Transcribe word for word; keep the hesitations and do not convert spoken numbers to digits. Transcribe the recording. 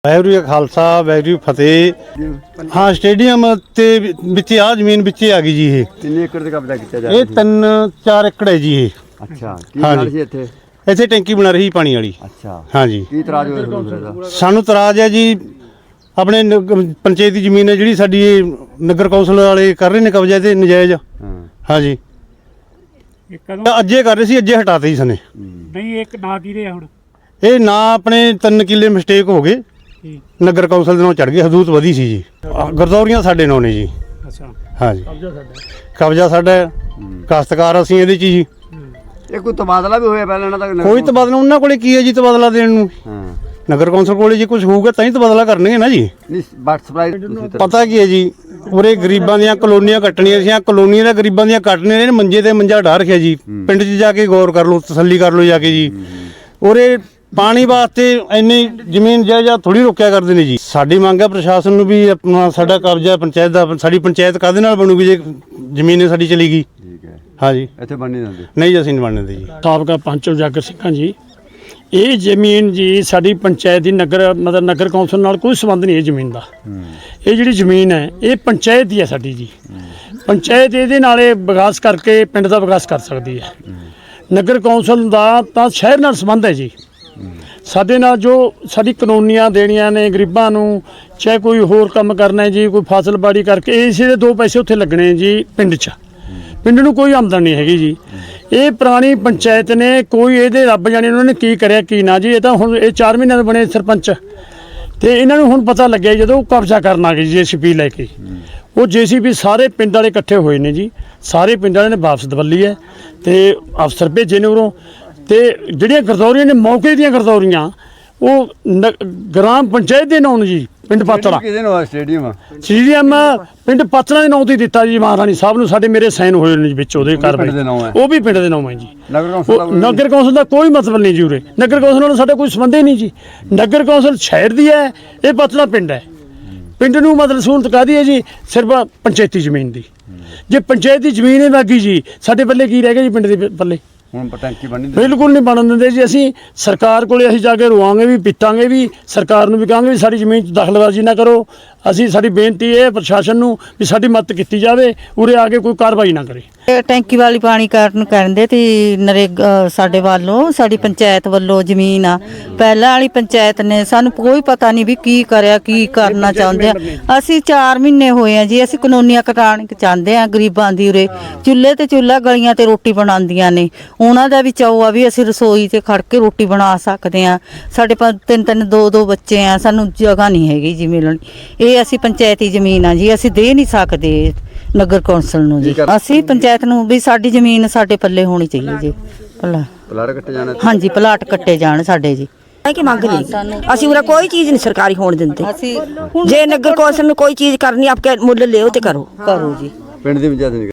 वाहिगुरू जी खालसा वाहिगुरू फतेह। हाँ स्टेडियम ते विच आ जमीन विच आ गई जी। ये कितने एकड़ का कब्जा किया जा ये तीन चार एकड़ है जी। ये अच्छा हाँ की जी। जी इथे ਇੱਥੇ ਟੈਂਕੀ ਬਣਾ ਰਹੀ ਪਾਣੀ ਵਾਲੀ। अच्छा हाँ जी। ਕੀ ਇਤਰਾਜ਼ ਹੋਇਆ ਤੁਹਾਨੂੰ ਫਿਰ ਇਹਦਾ? ਸਾਨੂੰ ਇਤਰਾਜ਼ ਹੈ ਜੀ ਆਪਣੇ ਨਗ- ਪੰਚਾਇਤ ਦੀ ਜ਼ਮੀਨ ਹੈ ਜਿਹੜੀ ਸਾਡੀ ਇਹ ਨਗਰ ਕੌਂਸਲ ਵਾਲੇ ਕਰ ਰਹੇ ਨੇ ਕਬਜ਼ਾ ਤੇ ਨਜਾਇਜ਼। ਹਾਂ हाँ जी ਇਹ ਕਦੋਂ ਅੱਜੇ ਕਰ ਰਹੇ ਸੀ ਅੱਜੇ ਹਟਾਤੇ ਜੀ ਸਨੇ। ਨਹੀਂ ਇੱਕ ਨਾ ਕੀ ਰਿਹਾ ਹੁਣ ਇਹ ਨਾ ਆਪਣੇ ਤਿੰਨ ਕਿੱਲੇ ਮਿਸਟੇਕ ਹੋ ਗਏ ਠੀਕ ਨਗਰ ਕੌਂਸਲ ਦੇ ਨਾਲ ਚੜ ਗਏ ਹਦੂਦ ਵਧੀ ਸੀ ਜੀ। ਆਹ ਗਰਦੌਰੀਆਂ ਸਾਡੇ ਨਾਲ ਨੇ ਜੀ। ਅੱਛਾ ਹਾਂ ਜੀ ਕਬਜ਼ਾ ਸਾਡਾ ਕਬਜ਼ਾ ਸਾਡਾ ਹੈ। ਕਾਸ਼ਤਕਾਰ ਅਸੀਂ ਇਹਦੇ 'ਚ ਜੀ। ਇਹ ਕੋਈ ਤਬਾਦਲਾ ਵੀ ਹੋਇਆ ਪਹਿਲਾਂ ਇਹਨਾਂ ਦਾ ਕੋਈ ਤਬਾਦਲਾ ਉਹਨਾਂ ਕੋਲੇ ਕੀ ਹੈ ਜੀ ਤਬਾਦਲਾ ਦੇਣ ਨੂੰ? ਹਾਂ ਨਗਰ ਕੌਂਸਲ ਕੋਲੇ ਜੇ ਕੁਝ ਹੋਊਗਾ ਤਾਂ ਹੀ ਤਬਾਦਲਾ ਕਰਨਗੇ ਨਾ ਜੀ। ਨਹੀਂ ਬਟ ਸਪਲਾਈ ਤੁਸੀਂ ਤਾਂ ਪਤਾ ਕੀ ਹੈ ਜੀ ਉਰੇ ਗਰੀਬਾਂ ਦੀਆਂ ਕਲੋਨੀਆਂ ਕੱਟਣੀਆਂ ਸੀ। ਕਲੋਨੀਆਂ ਦਾ ਗਰੀਬਾਂ ਦੀਆਂ ਕੱਟਣੀਆਂ ਨੇ ਮੰਜੇ ਤੇ ਮੰਜਾ ਢਾ ਰੱਖਿਆ ਜੀ। ਪਿੰਡ 'ਚ ਜਾ ਕੇ ਗੌਰ ਕਰ ਲਓ ਤਸੱਲੀ ਕਰ ਲਓ ਜਾ ਕੇ ਜੀ। ਉਰੇ ਪਾਣੀ ਵਾਸਤੇ ਇੰਨੀ ਜ਼ਮੀਨ ਜਾਇਦਾਦ ਥੋੜੀ ਰੋਕਿਆ ਕਰਦੇ ਨੇ ਜੀ। ਸਾਡੀ ਮੰਗ ਹੈ ਪ੍ਰਸ਼ਾਸਨ ਨੂੰ ਵੀ ਆਪਣਾ ਸਾਡਾ ਕਬਜ਼ਾ ਪੰਚਾਇਤ ਦਾ ਸਾਡੀ ਪੰਚਾਇਤ ਕਾਹਦੇ ਨਾਲ ਬਣੂਗੀ ਜੇ ਜ਼ਮੀਨ ਸਾਡੀ ਚਲੀ ਗਈ। ਠੀਕ ਹੈ ਹਾਂ ਜੀ ਇੱਥੇ ਬਣ ਨਹੀਂ ਦਿੰਦੇ ਨਹੀਂ ਜੀ ਅਸੀਂ ਨਹੀਂ ਬਣਨ ਦੇ ਜੀ। ਸਾਬਕਾ ਪੰਚ ਉਜਾਗਰ ਸਿੰਘਾਂ ਜੀ ਇਹ ਜ਼ਮੀਨ ਜੀ ਸਾਡੀ ਪੰਚਾਇਤ ਦੀ ਨਗਰ ਮਤਲਬ ਨਗਰ ਕੌਂਸਲ ਨਾਲ ਕੋਈ ਸੰਬੰਧ ਨਹੀਂ ਇਹ ਜ਼ਮੀਨ ਦਾ। ਇਹ ਜਿਹੜੀ ਜ਼ਮੀਨ ਹੈ ਇਹ ਪੰਚਾਇਤ ਦੀ ਹੈ ਸਾਡੀ ਜੀ। ਪੰਚਾਇਤ ਇਹਦੇ ਨਾਲ ਇਹ ਵਿਕਾਸ ਕਰਕੇ ਪਿੰਡ ਦਾ ਵਿਕਾਸ ਕਰ ਸਕਦੀ ਹੈ। ਨਗਰ ਕੌਂਸਲ ਦਾ ਤਾਂ ਸ਼ਹਿਰ ਨਾਲ ਸੰਬੰਧ ਹੈ ਜੀ। ਸਾਡੇ ਨਾਲ ਜੋ ਸਾਡੀ ਕਾਨੂੰਨੀਆਂ ਦੇਣੀਆਂ ਨੇ ਗਰੀਬਾਂ ਨੂੰ ਚਾਹੇ ਕੋਈ ਹੋਰ ਕੰਮ ਕਰਨਾ ਹੈ ਜੀ ਕੋਈ ਫਸਲਬਾੜੀ ਕਰਕੇ ਇਸੇ ਦੇ ਦੋ ਪੈਸੇ ਉੱਥੇ ਲੱਗਣੇ ਜੀ ਪਿੰਡ 'ਚ। ਪਿੰਡ ਨੂੰ ਕੋਈ ਆਮਦਨ ਨਹੀਂ ਹੈਗੀ ਜੀ। ਇਹ ਪੁਰਾਣੀ ਪੰਚਾਇਤ ਨੇ ਕੋਈ ਇਹਦੇ ਰੱਬ ਜਾਣੇ ਉਹਨਾਂ ਨੇ ਕੀ ਕਰਿਆ ਕੀ ਨਾ ਜੀ। ਇਹ ਤਾਂ ਹੁਣ ਇਹ ਚਾਰ ਮਹੀਨਿਆਂ ਦੇ ਬਣੇ ਸਰਪੰਚ ਤੇ ਇਹਨਾਂ ਨੂੰ ਹੁਣ ਪਤਾ ਲੱਗਿਆ ਜਦੋਂ ਉਹ ਕਬਜ਼ਾ ਕਰਨ ਆ ਗਏ ਜੇਸੀਬੀ ਲੈ ਕੇ। ਉਹ ਜੇਸੀਬੀ ਸਾਰੇ ਪਿੰਡ ਵਾਲੇ ਇਕੱਠੇ ਹੋਏ ਨੇ ਜੀ। ਸਾਰੇ ਪਿੰਡ ਵਾਲਿਆਂ ਨੇ ਵਾਪਸ ਦਵੱਲੀ ਹੈ ਤੇ ਅਫਸਰ ਭੇਜੇ ਨੇ ਉਰੋਂ। ਤੇ ਜਿਹੜੀਆਂ ਗਰਦੌਰੀਆਂ ਨੇ ਮੌਕੇ ਦੀਆਂ ਗਰਦੌਰੀਆਂ ਉਹ ਨ- ਗ੍ਰਾਮ ਪੰਚਾਇਤ ਦੇ ਨਾਂ ਜੀ ਪਿੰਡ ਪਾਤੜਾ ਕਿਹਦੇ ਨਾਲ ਸਟੇਡੀਅਮ ਸਟੇਡੀਅਮ ਪਿੰਡ ਪਾਤੜਾ ਦੇ ਨਾਂ ਤੇ ਦਿੱਤਾ ਜੀ ਮਹਾਰਾਣੀ ਸਾਹਿਬ ਨੂੰ। ਸਾਡੇ ਮੇਰੇ ਸਾਈਨ ਹੋਏ ਨੇ ਜੀ ਵਿੱਚ ਉਹਦੇ ਪਿੰਡ ਕਾਰਵਾਈ ਦੇ ਨਾਂ ਹੈ। ਉਹ ਵੀ ਪਿੰਡ ਦੇ ਨਾਂ ਹੈ ਜੀ। ਨਗਰ ਕੌਂਸਲ ਦਾ ਉਹ ਨਗਰ ਕੌਂਸਲ ਦਾ ਕੋਈ ਮਤਲਬ ਨਹੀਂ ਜੀ ਉਰੇ। ਨਗਰ ਕੌਂਸਲ ਨਾਲ ਸਾਡਾ ਕੋਈ ਸੰਬੰਧ ਹੀ ਨਹੀਂ ਜੀ। ਨਗਰ ਕੌਂਸਲ ਸ਼ਹਿਰ ਦੀ ਹੈ ਇਹ ਪਾਤੜਾ ਪਿੰਡ ਹੈ। ਪਿੰਡ ਨੂੰ ਮਤਲਬ ਸਹੂਲਤ ਕਾਹਦੀ ਹੈ ਜੀ ਸਿਰਫ ਪੰਚਾਇਤੀ ਜ਼ਮੀਨ ਦੀ। ਜੇ ਪੰਚਾਇਤ ਦੀ ਜ਼ਮੀਨ ਹੀ ਬਾਗੀ ਜੀ ਸਾਡੇ ਪੱਲੇ ਕੀ ਰਹਿ ਗਿਆ ਜੀ ਪਿੰਡ ਦੇ ਪੱਲੇ? ਹੁਣ ਟੈਂਕੀ ਬਣ ਨਹੀਂ ਦਿੰਦੇ ਬਿਲਕੁਲ ਨਹੀਂ ਬਣਨ ਦਿੰਦੇ ਜੀ। ਅਸੀਂ ਸਰਕਾਰ ਕੋਲੇ ਅਸੀਂ ਜਾ ਕੇ ਰੋਵਾਂਗੇ ਵੀ ਪਿੱਟਾਂਗੇ ਵੀ ਸਰਕਾਰ ਨੂੰ ਵੀ ਕਹਾਂਗੇ ਵੀ ਸਾਡੀ ਜ਼ਮੀਨ 'ਚ ਦਖਲਅੰਦਾਜ਼ੀ ਨਾ ਕਰੋ। ਅਸੀਂ ਸਾਡੀ ਬੇਨਤੀ ਹੈ ਪ੍ਰਸ਼ਾਸਨ ਨੂੰ ਵੀ ਸਾਡੀ ਮਦਦ ਕੀਤੀ ਜਾਵੇ ਉਰੇ ਆ ਕੇ ਕੋਈ ਕਾਰਵਾਈ ਨਾ ਕਰੇ। ਇਹ ਟੈਂਕੀ ਵਾਲੀ ਪਾਣੀ ਕਾਰਨ ਕਹਿੰਦੇ ਤੇ ਨਰੇਗਾ ਸਾਡੇ ਵੱਲੋਂ ਸਾਡੀ ਪੰਚਾਇਤ ਵੱਲੋਂ ਜ਼ਮੀਨ ਆ ਪਹਿਲਾਂ ਵਾਲੀ ਪੰਚਾਇਤ ਨੇ ਸਾਨੂੰ ਕੋਈ ਪਤਾ ਨਹੀਂ ਵੀ ਕੀ ਕਰਿਆ ਕੀ ਕਰਨਾ ਚਾਹੁੰਦੇ ਆ। ਅਸੀਂ ਚਾਰ ਮਹੀਨੇ ਹੋਏ ਆ ਜੀ। ਅਸੀਂ ਕਾਨੂੰਨੀਆਂ ਕਟਾਣ ਚਾਹੁੰਦੇ ਆ ਗਰੀਬਾਂ ਦੀ ਉਰੇ ਚੁੱਲ੍ਹੇ ਤੇ ਚੁੱਲ੍ਹਾ ਗਲੀਆਂ ਤੇ ਰੋਟੀ ਬਣਾਉਂਦੀਆਂ ਨੇ ਉਹਨਾਂ ਦਾ ਵੀ ਚਾਅ ਆ ਵੀ ਅਸੀਂ ਰਸੋਈ ਤੇ ਖੜ ਕੇ ਰੋਟੀ ਬਣਾ ਸਕਦੇ ਆ। ਸਾਡੇ ਪਾ ਤਿੰਨ ਤਿੰਨ ਦੋ ਦੋ ਬੱਚੇ ਆ ਸਾਨੂੰ ਜਗ੍ਹਾ ਨਹੀਂ ਹੈਗੀ ਜੀ ਮਿਲਣ। ਇਹ ਅਸੀਂ ਪੰਚਾਇਤੀ ਜ਼ਮੀਨ ਆ ਜੀ ਅਸੀਂ ਦੇ ਨਹੀਂ ਸਕਦੇ ਨਗਰ ਕੌਂਸਲ ਨੂੰ ਜੀ। ਅਸੀਂ ਪੰਚਾਇਤ ਨੂੰ ਵੀ ਸਾਡੀ ਜ਼ਮੀਨ ਸਾਡੇ ਪੱਲੇ ਹੋਣੀ ਚਾਹੀਦੀ ਜੀ। ਭਲਾ ਪਲਾਟ ਕੱਟੇ ਜਾਣੇ ਹਾਂਜੀ ਪਲਾਟ ਕੱਟੇ ਜਾਣ ਸਾਡੇ ਜੀ। ਕਿ ਮੰਗ ਨਹੀਂ ਅਸੀਂ ਉਰੇ ਕੋਈ ਚੀਜ਼ ਨਹੀਂ ਸਰਕਾਰੀ ਹੋਣ ਦਿੰਦੇ। ਅਸੀਂ ਜੇ ਨਗਰ ਕੌਂਸਲ ਨੂੰ ਕੋਈ ਚੀਜ਼ ਕਰਨੀ ਆਪਕੇ ਮੁੱਲ ਲਿਓ ਤੇ ਕਰੋ ਕਰੋ ਜੀ। ਪਿੰਡ ਦੀ ਪੰਚਾਇਤ ਨਹੀਂ